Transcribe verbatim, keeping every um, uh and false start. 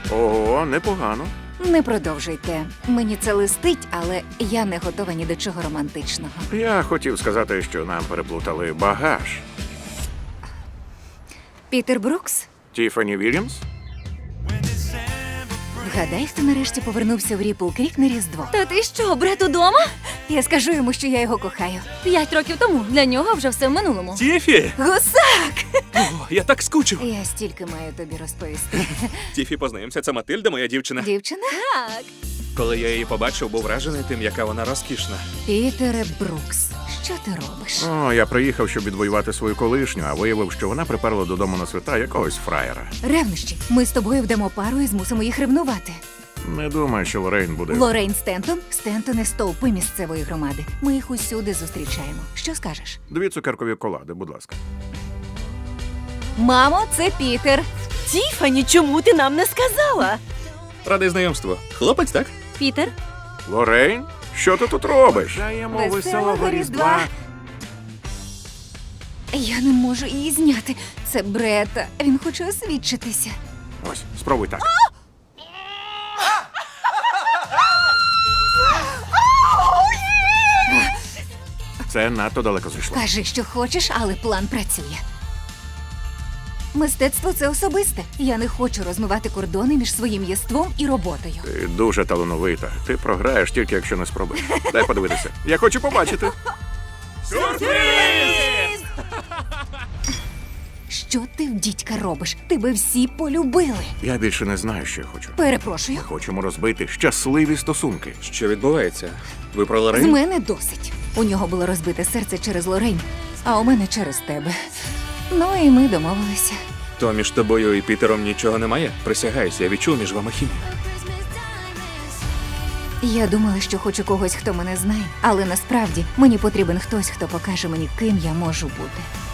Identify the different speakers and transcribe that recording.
Speaker 1: Ого, непогано.
Speaker 2: Не продовжуйте. Мені це листить, але я не готова ні до чого романтичного.
Speaker 1: Я хотів сказати, що нам переплутали багаж.
Speaker 2: Пітер Брукс?
Speaker 1: Тіфані Вільямс?
Speaker 2: Вгадай, хто нарешті повернувся в Ріпл Крік на Різдво.
Speaker 3: Та ти що, брат удома?
Speaker 2: Я скажу йому, що я його кохаю.
Speaker 3: П'ять років тому. Для нього вже все в минулому.
Speaker 4: Тіфі!
Speaker 2: Гусак!
Speaker 4: О, я так скучив.
Speaker 2: Я стільки маю тобі розповісти.
Speaker 4: Тіфі, познайомся, це Матильда, моя дівчина.
Speaker 2: Дівчина?
Speaker 3: Так.
Speaker 4: Коли я її побачив, був вражений тим, яка вона розкішна.
Speaker 2: Пітере Брукс, що ти робиш?
Speaker 1: О, я приїхав, щоб відвоювати свою колишню, а виявив, що вона приперла додому на свята якогось фраєра.
Speaker 2: Ревнощі. Ми з тобою вдамо пару і змусимо їх ревнувати.
Speaker 1: Не думаю, що Лорейн буде.
Speaker 2: Лорейн Стентон, Стентони стовпи місцевої громади. Ми їх усюди зустрічаємо. Що скажеш?
Speaker 1: Дві цукеркові колади, будь ласка.
Speaker 2: Мамо, це Пітер.
Speaker 5: Тіфані, чому ти нам не сказала?
Speaker 4: Радий знайомству. Хлопець, так?
Speaker 3: Пітер?
Speaker 1: Лорейн? Що ти тут робиш? Бажаємо
Speaker 2: Веселого Різдва. Я не можу її зняти. Це Брета. Він хоче освідчитися.
Speaker 1: Ось, спробуй так. Це надто далеко зайшло.
Speaker 2: Кажи, що хочеш, але план працює. Мистецтво – це особисте. Я не хочу розмивати кордони між своїм єством і роботою.
Speaker 1: Ти дуже талановита. Ти програєш тільки, якщо не спробуєш. Дай подивитися. Я хочу побачити.
Speaker 2: Що ти в дідька робиш? Тебе всі полюбили.
Speaker 1: Я більше не знаю, що я хочу.
Speaker 2: Перепрошую.
Speaker 1: Ми хочемо розбити щасливі стосунки.
Speaker 4: Що відбувається? Ви про
Speaker 2: З
Speaker 4: Лорейн?
Speaker 2: мене досить. У нього було розбите серце через Лорейн, а у мене через тебе. Ну і ми домовилися.
Speaker 4: То між тобою і Пітером нічого немає? Присягаюсь, я відчув між вами хімію.
Speaker 2: Я думала, що хочу когось, хто мене знає, але насправді мені потрібен хтось, хто покаже мені, ким я можу бути.